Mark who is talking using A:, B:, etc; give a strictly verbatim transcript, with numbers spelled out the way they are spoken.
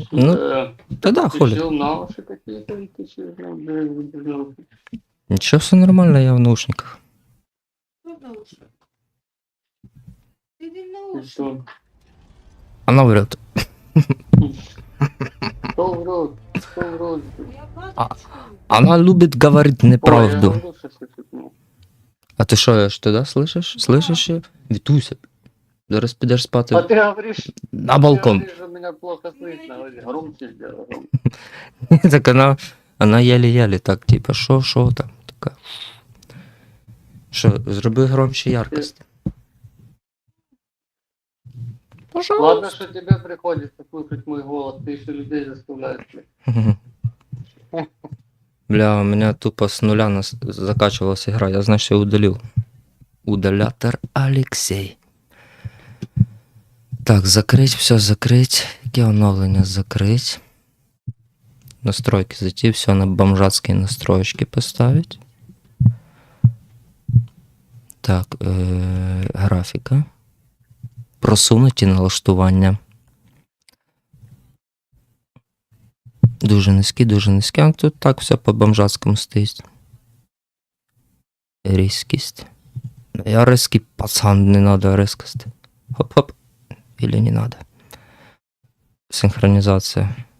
A: Ну,
B: Э,
A: тогда
B: Ты
A: хули.
B: что, науши какие-то? Или ты что, ну, блин, без наушников?
A: Ничего, все нормально, я в наушниках.
C: Кто в наушниках? Иди в
B: Ты
C: наушники.
B: что?
A: Она врет.
B: Кто врет? Кто врет?
C: Я плачу,
A: А-
C: что ли?
A: Она любит говорить
B: Ой, я
A: неправду.
B: говорю, что ты тут, ну.
A: А ти що, ж туди слышиш? Слышиш її? Вітуся. Зараз підеш
B: А
A: спати
B: ты говоришь,
A: на
B: ты
A: балкон.
B: говоришь, что меня плохо слышно. Говоришь, громче сделай. громче.
A: Так вона, вона єлі-єлі так, типа, що, що там, така. Що, зроби громче яркость.
B: Ладно, что тебе приходится слушать мой голос, ты еще людей заставляешь. блядь.
A: Мгм. Бля, у меня тупо с нуля нас закачивалась игра. Я, значит, ее удалил. Удалятор Алексей. Так, закрыть, все закрыть. Яке оновлення закрыть. Настройки зайти, все на бомжатские настроечки поставить. Так, е- графіка. Просунуті налаштування. Дуже низькі, дуже низькі. А тут так все по бомжатському стоїть. Різкість. Я різкий пацан, не надо різкості. Хоп-хоп. Или не надо. Синхронізація.